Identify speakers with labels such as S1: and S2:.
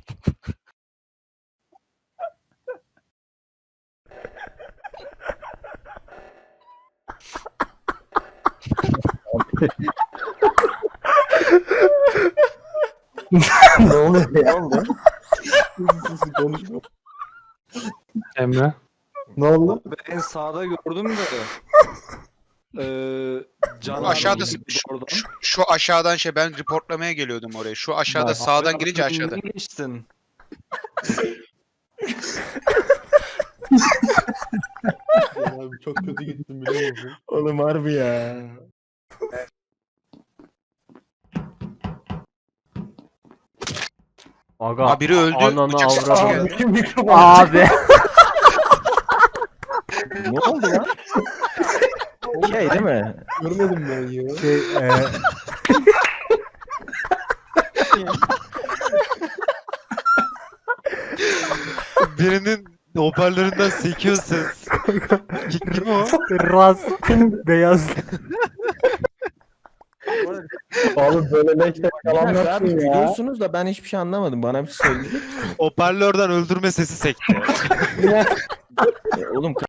S1: Ne oluyor? Ne oldu?
S2: Konuşma.
S3: Emre.
S1: Ne oldu?
S4: Ben sağda gördüm de. Can abi
S5: Aşağıda
S4: girdi oradan.
S5: şu aşağıdan ben reportlamaya geliyordum oraya. Şu aşağıda
S4: Bak,
S5: sağdan
S4: abi
S5: girince aşağıda.
S4: arkamdan geçtin.
S2: Abi çok kötü gittim biliyor musun?
S1: Oğlum harbi ya.
S6: Aga.
S5: Ha, biri öldü.
S6: Ananı
S5: Bıçak sesi
S6: avradım.
S5: geldi.
S1: Mikrofon.
S6: Abi.
S1: Ne oldu lan? Şey değil mi?
S2: Görmedim ben ya.
S1: Şey,
S7: Birinin hoparlöründen sekiyor ses. Kim o?
S6: Raz. Beyaz.
S1: oğlum böyle leşler yalan
S8: Abi
S1: yaptın ya.
S8: gülüyorsunuz da ben hiçbir şey anlamadım. Bana bir şey söyleyecek misin?
S7: Hoparlörden öldürme sesi sekti.
S8: Oğlum